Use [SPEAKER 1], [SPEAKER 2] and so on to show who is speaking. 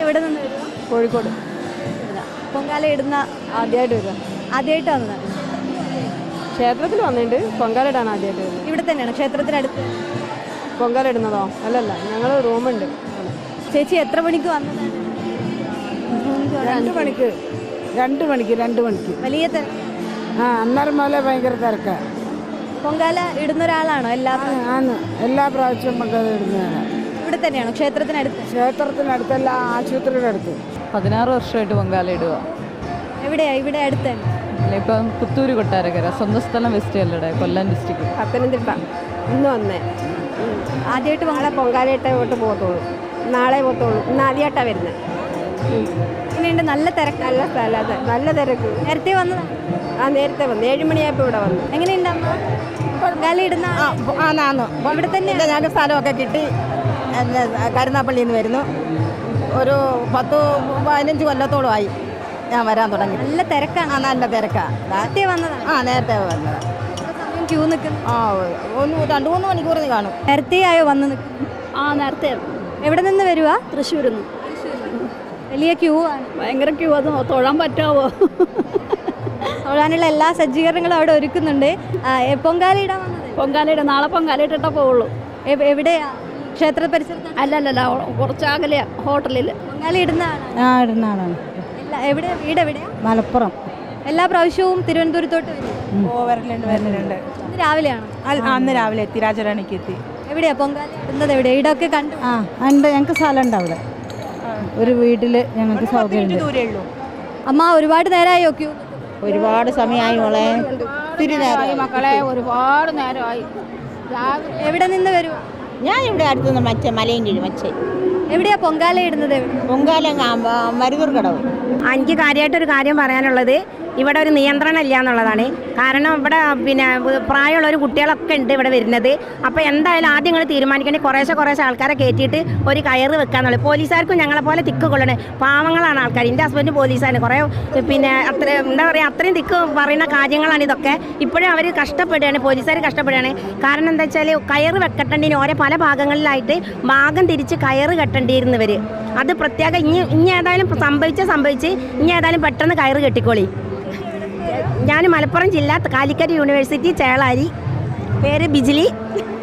[SPEAKER 1] എവിടെ നിന്ന് വരുക?
[SPEAKER 2] കോഴിക്കോട്.
[SPEAKER 1] പൊങ്കാല ഇടുന്ന ആദ്യമായിട്ട് വരിക? ആദ്യമായിട്ട് വന്നതാണ്.
[SPEAKER 2] ക്ഷേത്രത്തിൽ വന്നിട്ടുണ്ട്, പൊങ്കാല ഇടാൻ ആദ്യമായിട്ട് വരുന്നത്.
[SPEAKER 1] ഇവിടെ തന്നെയാണ് ക്ഷേത്രത്തിനടുത്ത്?
[SPEAKER 2] പൊങ്കാല ഇടുന്നതോ? അല്ലല്ല, ഞങ്ങൾ റൂമുണ്ട്.
[SPEAKER 1] ചേച്ചി എത്ര മണിക്ക് വന്നതാണ്?
[SPEAKER 2] 2 മണിക്ക്.
[SPEAKER 1] വലിയ തിരക്ക്?
[SPEAKER 2] അന്നേരം മുതലേ ഭയങ്കര തിരക്കാണ്.
[SPEAKER 1] പൊങ്കാല ഇടുന്ന ഒരാളാണോ?
[SPEAKER 2] എല്ലാ പ്രാവശ്യവും പൊങ്കാല ഇടുന്നതാണ്.
[SPEAKER 1] ഇവിടെ തന്നെയാണോ ക്ഷേത്രത്തിനടുത്ത്?
[SPEAKER 2] ക്ഷേത്രത്തിനടുത്തല്ല, ആശുപത്രിയുടെ അടുത്ത്.
[SPEAKER 3] 16 വർഷമായിട്ട് പൊങ്കാല ഇടുക.
[SPEAKER 1] എവിടെയാ? ഇവിടെ അടുത്ത് തന്നെ?
[SPEAKER 3] അല്ല, ഇപ്പം പുത്തൂര് കൊട്ടാരക്കര, സ്വന്തം സ്ഥലം വെസ്റ്റ് അല്ലടെ, കൊല്ലം ഡിസ്ട്രിക്ട്.
[SPEAKER 2] പത്തനംതിട്ട. ഇന്ന് വന്നേ.
[SPEAKER 1] ആദ്യമായിട്ട്
[SPEAKER 2] നാളെ പൊങ്കാലയിട്ടേ പോകത്തുള്ളൂ. നാളെ പോകത്തുള്ളൂ. ഇന്ന് ആദ്യമായിട്ടാണ് വരുന്നത്.
[SPEAKER 1] ഇങ്ങനെയുണ്ട്? നല്ല തിരക്ക്?
[SPEAKER 2] നല്ല സ്ഥലം, അതെ, നല്ല തിരക്ക്.
[SPEAKER 1] നേരത്തെ വന്നതാണ്?
[SPEAKER 2] നേരത്തെ വന്നു. 7 മണിയായപ്പോൾ ഇവിടെ വന്നു.
[SPEAKER 1] എങ്ങനെയുണ്ട് അമ്മ പൊങ്കാല ഇടുന്ന?
[SPEAKER 2] ഇവിടെ തന്നെ ഞങ്ങൾക്ക് സ്ഥലമൊക്കെ കിട്ടി. കരുനാപ്പള്ളിയിൽ നിന്ന് വരുന്നു. ഒരു 10-15 കൊല്ലത്തോളമായി ഞാൻ വരാൻ തുടങ്ങി.
[SPEAKER 1] നല്ല തിരക്കാണ്?
[SPEAKER 2] നല്ല തിരക്കാണ്.
[SPEAKER 1] നേരത്തെ വന്നതാണ്?
[SPEAKER 2] നേരത്തെ വന്നത്.
[SPEAKER 1] ക്യൂ നിൽക്കുന്നു?
[SPEAKER 2] 2-3 മണിക്കൂർ കാണും.
[SPEAKER 1] നേരത്തെ ആയോ വന്ന് നിൽക്കുന്നു?
[SPEAKER 2] നേരത്തെ.
[SPEAKER 1] എവിടെ നിന്ന് വരുവാ?
[SPEAKER 2] തൃശ്ശൂരിൽ നിന്ന്.
[SPEAKER 1] വലിയ ക്യൂ ആണ്?
[SPEAKER 2] ഭയങ്കര ക്യൂ. അത് തൊഴാൻ പറ്റാവോ?
[SPEAKER 1] തൊഴാനുള്ള എല്ലാ സജ്ജീകരണങ്ങളും അവിടെ ഒരുക്കുന്നുണ്ട്. പൊങ്കാല ഇടാൻ വന്നത്?
[SPEAKER 2] പൊങ്കാലയുടെ നാളെ പൊങ്കാല ഇട്ടിട്ടേ പോവുള്ളൂ.
[SPEAKER 1] എവിടെയാ? ക്ഷേത്ര പരിസരത്ത്?
[SPEAKER 2] അല്ലല്ല, കുറച്ചകലെയാ, ഹോട്ടലിൽ.
[SPEAKER 1] പൊങ്കാല ഇടുന്ന
[SPEAKER 2] ആളാണ്.
[SPEAKER 1] എവിടെ? വീട് എവിടെയാ?
[SPEAKER 2] മലപ്പുറം.
[SPEAKER 1] എല്ലാ പ്രാവശ്യവും തിരുവനന്തപുരത്തോട്ട് വരും?
[SPEAKER 2] വരുന്നുണ്ട്.
[SPEAKER 1] ഇന്ന് രാവിലെയാണോ?
[SPEAKER 2] അന്ന് രാവിലെ എത്തി, രാജരാണിക്ക് എത്തി.
[SPEAKER 1] എവിടെയാ പൊങ്കാല ഇടുന്നത്? എവിടെ? ഇടമൊക്കെ കണ്ടു?
[SPEAKER 2] ഉണ്ട്, ഞങ്ങൾക്ക് സ്ഥലമുണ്ട് അവിടെ. ഒരു വീട്ടിൽ ഞങ്ങൾക്ക് സൗകര്യം.
[SPEAKER 1] അമ്മ ഒരുപാട് നേരമായോ ക്യൂ?
[SPEAKER 2] ഒരുപാട് സമയമായി മോളെ. മക്കളെ, ഒരുപാട് നേരമായി.
[SPEAKER 1] എവിടെ നിന്ന് വരുവാ?
[SPEAKER 2] ഞാൻ ഇവിടെ അടുത്തുനിന്ന് മലയും കീഴ്
[SPEAKER 1] എവിടെയാ പൊങ്കാല ഇടുന്നത്?
[SPEAKER 2] പൊങ്കാല മരുതൂർ കടവ്.
[SPEAKER 4] എനിക്ക് കാര്യമായിട്ടൊരു കാര്യം പറയാനുള്ളത്, ഇവിടെ ഒരു നിയന്ത്രണം ഇല്ല എന്നുള്ളതാണ്. കാരണം ഇവിടെ പ്രായമുള്ളൊരു കുട്ടികളൊക്കെ ഉണ്ട് ഇവിടെ വരുന്നത്. അപ്പോൾ എന്തായാലും ആദ്യം നിങ്ങൾ തീരുമാനിക്കേണ്ടത് കുറേശ്ശെ ആൾക്കാരെ കയറ്റിയിട്ട് ഒരു കയറ് വെക്കാന്നുള്ളത്. പോലീസുകാർക്കും ഞങ്ങളെ പോലെ തിക്ക് കൊള്ളണേ, പാവങ്ങളാണ് ആൾക്കാർ. എൻ്റെ ഹസ്ബൻഡ് പോലീസാണ്. കുറേ അത്ര എന്താ പറയുക, അത്രയും തിക്ക് പറയുന്ന കാര്യങ്ങളാണ് ഇതൊക്കെ. ഇപ്പോഴും അവർ കഷ്ടപ്പെടുകയാണ്, പോലീസുകാർ കഷ്ടപ്പെടുകയാണ്. കാരണം എന്താ വെച്ചാൽ കയറ് വെക്കട്ടേണ്ടിന് ഓരോ പല ഭാഗങ്ങളിലായിട്ട് ഭാഗം തിരിച്ച് കയറ് കെട്ടേണ്ടിയിരുന്നവർ. അത് പ്രത്യേകം ഇനി ഏതായാലും സംഭവിച്ച് ഇനി ഏതായാലും പെട്ടെന്ന് കയറ് കെട്ടിക്കോളി. ഞാൻ മലപ്പുറം ജില്ല കാലിക്കറ്റ് യൂണിവേഴ്സിറ്റി ചേളാരി. പേര് ബിജിലി.